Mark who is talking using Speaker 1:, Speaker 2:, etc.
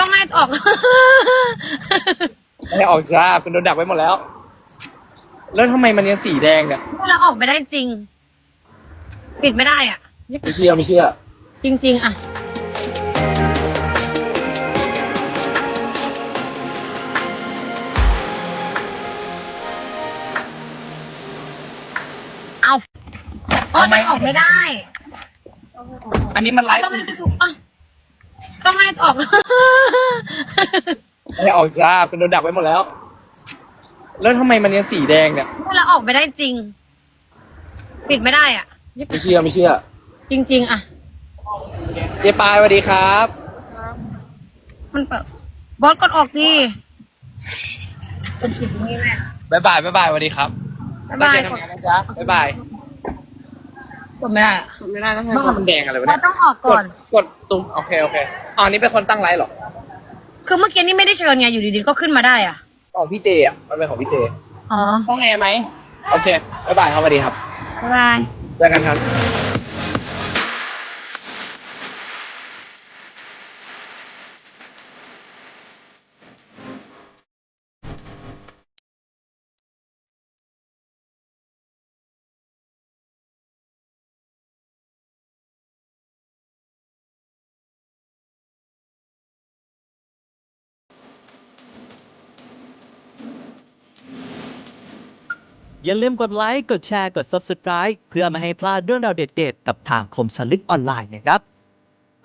Speaker 1: ก็ไม่ออก
Speaker 2: ไม่ออกจ้าคุณโดนดักไว้หมดแล้ว แล้วทำไมมันยังสีแดงเนี่ย
Speaker 1: เราออกไม่ได้จริง ปิดไม่ได้อ่ะ
Speaker 2: ไม่เชื่อไม่เชื่อ
Speaker 1: จริง ๆ อ่ะ เอาโอ้ยมันออกไม่ได้
Speaker 2: อันนี้มันไลฟ์
Speaker 1: ก็ไม่อ่ะก็ไม่ออก
Speaker 2: ไม่ออกจ้าคุณโดนดักไว้หมดแล้ว แล้วทำไมมันยังสีแดงเนี่ย
Speaker 1: เราออกไม่ได้จริง ปิดไม่ได้อ่ะ
Speaker 2: ไม่เชื่อไม่เชื่อ
Speaker 1: จริง ๆ อ่ะ
Speaker 2: เจ๊ปายสวัสดีครับ
Speaker 1: มันแบบบอสกดออกดิเป็นสิ่งนี้แม่
Speaker 2: บ๊ายบายสวัสดีครับ
Speaker 1: บ๊ายบาย
Speaker 2: ตั้งใจทำงานนะจ๊ะบ๊ายบาย
Speaker 1: กดไม่ได้อะ
Speaker 3: ไม่ได้แล้ว
Speaker 2: ต้องทำมันแดงอะไรวะ
Speaker 1: เรา
Speaker 2: เนี่ย
Speaker 1: ต้องออกก่อน
Speaker 2: กดตุ่มโอเคอ๋อนี่เป็นคนตั้งไลฟ์เหรอ
Speaker 1: คือเมื่อกี้นี่ไม่ได้เชิญไงอยู่ดีๆก็ขึ้นมาได้อ่ะ
Speaker 2: ของพี่เจอ่ะมันเป็นของพี่เจ
Speaker 1: อ๋อ
Speaker 2: ต้องแอร์ไหมโอเคบ๊ายบายครับสวัสดีครับ
Speaker 1: บ๊ายบาย
Speaker 2: เจอกันครับ
Speaker 4: อย่าลืมกดไลค์ กดแชร์ กด Subscribe เพื่อไม่ให้พลาดเรื่องราวเด็ดๆกับทางคมสนลึกออนไลน์นะครับ